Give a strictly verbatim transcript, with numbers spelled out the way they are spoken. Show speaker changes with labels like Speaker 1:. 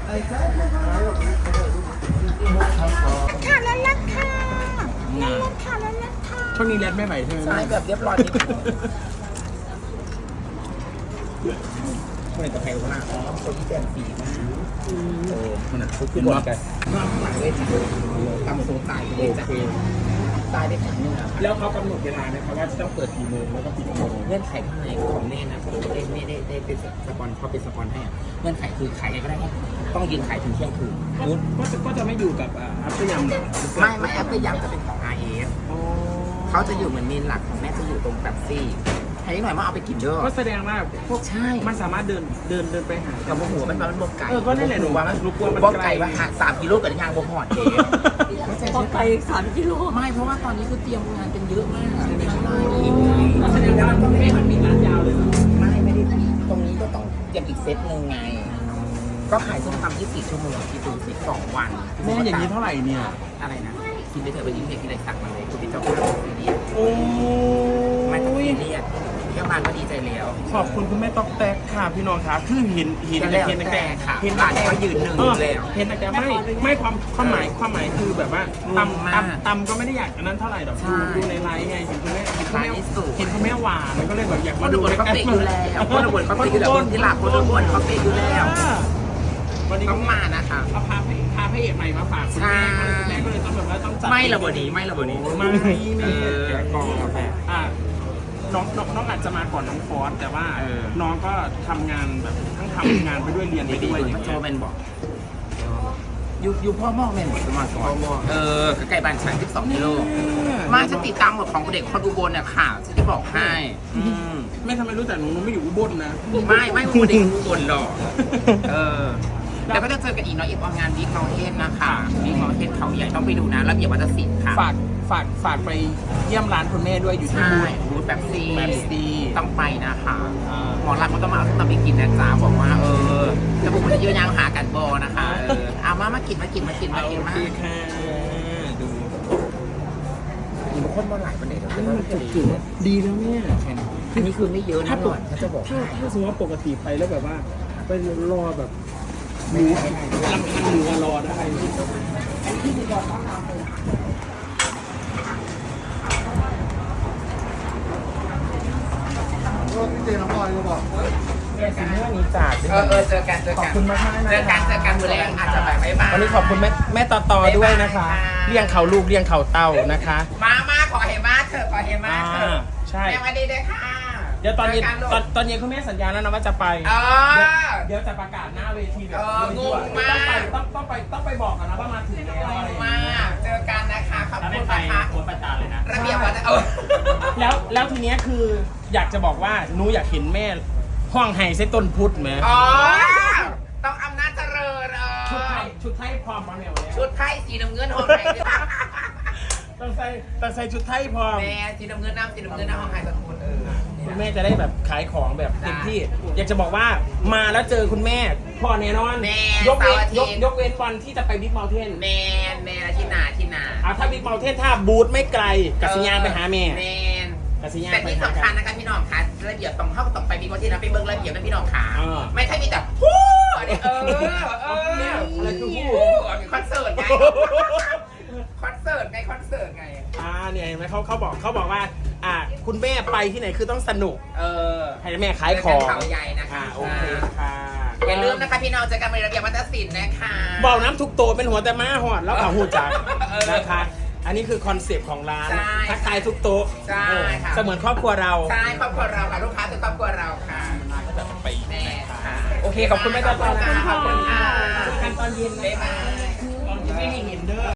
Speaker 1: ค่ะแล้วลักค่ะแล้วลักค่ะแล้วลักค่ะ
Speaker 2: ช่วงนี้แรดไม่ไหวใช่ไหม
Speaker 3: ใช่แบบเรียบร้อยนิดนึง
Speaker 2: คนไหนจะแพงคนละ
Speaker 3: อ๋อคนที่แจ่มสีมากเออ
Speaker 2: คนนั้น
Speaker 3: คือหมดกันน้ำหลังเลยตำโซตายเลยจ้ะตายได้ครั้งนึงอ่ะ
Speaker 2: แล้วเขากำหนดเวลาไหมครับว่าจะต้องเปิดกี่โมงแล้วก็ปิดกี่โมง
Speaker 3: เงื่อนไขข้างในของแน่นะผมไม่ได้ไม่ได้ได้เป็นสปอนเขาเป็นสปอนให้เงื่อนไขคือขายไงก็ได้ต้องยืนขายถึงเที่ยงคืน
Speaker 2: ก็จะก็จะไม่อยู่กับอัพเตอร์ยำ
Speaker 3: ไม่ไม่แอปก็ยังจะเป็นของ อาร์ เอส เขาจะอยู่เหมือนเมนหลักของแม่จะอยู่ตรงแบบซี่ให้หน่อยมาเอาไปกินเด้อ
Speaker 2: ก็แสดงว่าพวก
Speaker 3: ใช่
Speaker 2: มันสามารถเดินเดินเดินไปหา
Speaker 3: กับโมหัวมันมันบกไก่
Speaker 2: เออก็นั่นแหละหนูว่ามันรู้กลัวมัน
Speaker 3: บก
Speaker 2: ไกล
Speaker 3: ไก่ว่าหาสามกิโลกับยางบกหอดเอง
Speaker 1: พอไกลสามกิโล
Speaker 3: ไม่เพราะว่าตอนนี้คือเตรียมงานกันเยอะมาก
Speaker 2: แสดงว่าต้องไม่มันมีร้านยาวเลย
Speaker 3: ไม่ไม่ได้ตรงนี้ก็ต้องเตรียมอีกเซตหนึ่งไง ก็ขายส้มตำยี่สิบสี่ชั่วโมงที่ดูสิบสองวัน
Speaker 2: แม่อย่างนี้เท่าไหร่เนี่ย
Speaker 3: อะไรนะกินไปเถอะไปยิ้มเด็กกินอะไรสั่งมาเลยคุณพี่เจ้าคุณเราซีเรียส
Speaker 2: โอ้
Speaker 3: ไม่ต้องซีเรียสแค่มาก็ดีใจแล้ว
Speaker 2: ขอบคุณคุณแม่ต๊อกแตกค่ะพี่น้องครับคือเห็นเห็น
Speaker 3: ก็แล้ว
Speaker 2: เห็นตั้ง
Speaker 3: แต่
Speaker 2: แต่
Speaker 3: ค่ะ
Speaker 2: เห็น
Speaker 3: ร้านเขายืนหนึ่งอยู่แล้ว
Speaker 2: เห็นตั้งแต่ไม่ไม่ความความหมายความหมายคือแบบว่า
Speaker 3: งงมาก
Speaker 2: ตำตำตำก็ไม่ได้อยากอันนั้นเท่าไหร่หรอก
Speaker 3: ใช่
Speaker 2: ดูดูในไลฟ์ไงเห็นคุณแม่เห็นคุณแม่
Speaker 3: ร้านนี้สวย
Speaker 2: เห็นคุณแม่หวานแล้วก็เลยแบบอยาก
Speaker 3: ค
Speaker 2: มาน
Speaker 3: ดู
Speaker 2: ดู
Speaker 3: บนเขาเตะอยู่แล้วคนดูบนเขาเตะอยู่แล้วคนที่หลับคนดูบนเขาเตะอยู่แล้ว
Speaker 2: วันนี้
Speaker 3: ต้องมานะคะ
Speaker 2: เอาพาพพาพระเอกใหม่มาฝากคุณแม่คุณแม่ก็เลยต้องแบบว่าต้องจัด
Speaker 3: ไม่ระเบิดนี้ไม่ระเบิดนี้
Speaker 2: ไม่แม่
Speaker 3: เออ
Speaker 2: แกะกล่องกาแฟอ่ะน้องน้องน้องอาจจะมาก่อนน้องฟอสแต่ว่า
Speaker 3: เออ
Speaker 2: น้องก็ทำงานแบบทั้งทำงานไปด้วยเรียนไป
Speaker 3: ดี
Speaker 2: ด้วย
Speaker 3: ๆ
Speaker 2: อย่าง
Speaker 3: มันโช
Speaker 2: เงี้ย
Speaker 3: ว์เป็นบอกอยู่อยู่พ่อมอกแม่หมดสมาก่อนเออใกล้บ้านฉันสิบสองกิโลมาฉันติดตามหมดของเด็กคนอุบลเนี่ยข่าวฉันที่บอกให้อืม
Speaker 2: ไม่ทำไมรู้แต่หนูหนูไม่อยู่อุบลนะ
Speaker 3: ไม่ไม่อุบลเด็กอุบลหรอกเออแล้วก็จะเจอกันอีกเนาะอีกออกงานบิ๊กเมาเทนนะคะบิ๊กเมาเทนเขาใหญ่ต้องไปดูนะระเบียบวัฒนศิลป์ค่ะ
Speaker 2: ฝากฝากฝากไปเยี่ยมร้านคุณแม่ด้วยอยู่ที่
Speaker 3: ใช่
Speaker 2: บูธ
Speaker 3: บูธแบบซี
Speaker 2: แบบซี
Speaker 3: ต้องไปนะคะ
Speaker 2: อ่า
Speaker 3: หมอรักมันต้องมาเอาส้มตำไปกินนะจ๊ะบอกว่าเออจะบุกมันจะเยอะยางหากันบอนะคะเออเอามามากินมากินมากินมา
Speaker 2: โอ
Speaker 3: กินมา
Speaker 2: เคค่ะดู
Speaker 3: มีบางคนมาหลายประเด็น
Speaker 2: นี่มันจุกจุกดีแล้วเนี่ย
Speaker 3: อันนี้คือไม่เยอะนะ
Speaker 2: ถ้า
Speaker 3: ห
Speaker 2: ป
Speaker 3: น่อก ยเขาจะบอก
Speaker 2: ถ้าถ้าสมมติว่าปกติไปแล้วแบบว่าไปรอแบบหมูลำพังหมูรอได้
Speaker 3: เจอน้องบอยก็บอกเจอกันเรื่องนี้จ่าเออเออเจอกันเจอ
Speaker 2: ขอบ
Speaker 3: กัน
Speaker 2: คุณมากมาก
Speaker 3: เจอกันเจอกันมือแรงอาจจะแบบไม่บ้าง
Speaker 2: วันนี้ขอบคุณแม่แม่ต่อต่อด้วยนะคะ เลี้ยงเขาลูกเลี้ยงเขาเต่านะคะ
Speaker 3: มามาขอเห็นมาเถอะขอเห็นมาเถอะ
Speaker 2: ใช่
Speaker 3: แม่มาดีเลยค่ะ
Speaker 2: เดี๋ยวตอนเย็น
Speaker 3: จกัลูก
Speaker 2: ตอนตอนเย็นคุณแม่สัญญาแล้วนะว่าจะไป
Speaker 3: เออ
Speaker 2: เดี๋ยวจะประกาศหน้าเวทีแบบ
Speaker 3: เอองงมาก
Speaker 2: ต้องไปต้องต้องไปต้องไปบอกกันนะว่ามาถึงแล้วอะไรอย่าง
Speaker 3: มา
Speaker 2: เงี้ย
Speaker 3: กเจอกันนะคะขอบ
Speaker 2: แล้ว
Speaker 3: คุ
Speaker 2: ไม่
Speaker 3: ณ
Speaker 2: ไป
Speaker 3: นะคะ
Speaker 2: โคตรประจานเลยนะ
Speaker 3: ระเบียบวัฒนเออ
Speaker 2: แล้วแล้วทีเนี้ยคืออยากจะบอกว่าหนูอยากเห็นแม่ห้องไห้เส้ต้นพุทธไหม
Speaker 3: อ๋อต้องอำนาจเจริญเอ
Speaker 2: ชุดไท
Speaker 3: อย
Speaker 2: ชุดไทยพร้อมมาแมวเนี่ย
Speaker 3: ชุดไทยสีน้ำเงินห้องไทย
Speaker 2: ต้องใส่ต้องใส่ชุดไทยพร้อม
Speaker 3: แม่สีน้ำเงินน้ำสีน้ำเงินน้ำห้องไทยตะกุนเออ
Speaker 2: คุณแม่จะได้แบบขายของแบบเต็มที่ อยากจะบอกว่ามาแล้วเจอคุณแม่พ่อแน่นอน
Speaker 3: แม่
Speaker 2: ยกเว้น
Speaker 3: เสาร์อาทิ
Speaker 2: ย
Speaker 3: ต
Speaker 2: ก
Speaker 3: ย์
Speaker 2: ยกเว้นวันที่จะไปบิ๊กเมลเทน
Speaker 3: แมนแมนที่นาที่นา
Speaker 2: เอาถ้าบิ๊กเมลเทนถ้าบูธไม่ไกลกัสยานไปหาแม่
Speaker 3: แมน
Speaker 2: กัสยาน
Speaker 3: แต่
Speaker 2: ไป
Speaker 3: ที่
Speaker 2: หา
Speaker 3: สำคัญนะคะพี่น้องคะระเบียบต้องเข้าต้องไปมีวันที่เราไปเบิ้งระเบียบนะพี่น้องขา
Speaker 2: เออ
Speaker 3: ไม่ใช่มีแต่ฮู้อันนี้เออเออ
Speaker 2: อะไรคือฮู้
Speaker 3: อันนี้คอนเสิร์ตไงคอนเสิร์ตไงคอนเสิร์ตไง
Speaker 2: อ่าเนี่ยเห็นไหมเขาเขาบอกเขาบอกว่าอ่าคุณแม่ไปที่ไหนคือต้องสนุก
Speaker 3: เออ
Speaker 2: ให้แม่ขายของ
Speaker 3: เขาใหญ่นะคะ
Speaker 2: อ่าโอเคค่ะ
Speaker 3: อย่าลืมนะคะพี่น้องเจอกันในระเบียบวัฒนศิลป์นะคะ
Speaker 2: เบาน้ำทุกโตเป็นหัวแต่ม้าหอดแล้วเอาหูจัก
Speaker 3: เออ
Speaker 2: นะคะ อันนี้คือคอนเซปต์ของร้าน
Speaker 3: ใช่
Speaker 2: ทักทายทุกโต๊ะ
Speaker 3: ใช่
Speaker 2: เออ
Speaker 3: ค่ะ
Speaker 2: เสมือนครอบครัวเรา
Speaker 3: ใช่ครอบครัวเราค่ะลูกค้าคือครอบครัวเราค่ะ
Speaker 2: ก็จะไป
Speaker 3: แม่ค่ะ
Speaker 2: โอเค ขอบคุณแม่ตาตานะคะ
Speaker 3: ขอบคุณค่ะ
Speaker 2: เจอกันตอนเย็น
Speaker 3: บ๊าย
Speaker 2: นะ
Speaker 3: บาย
Speaker 2: ตอนเย็นไม่ให้เห็นเด้อ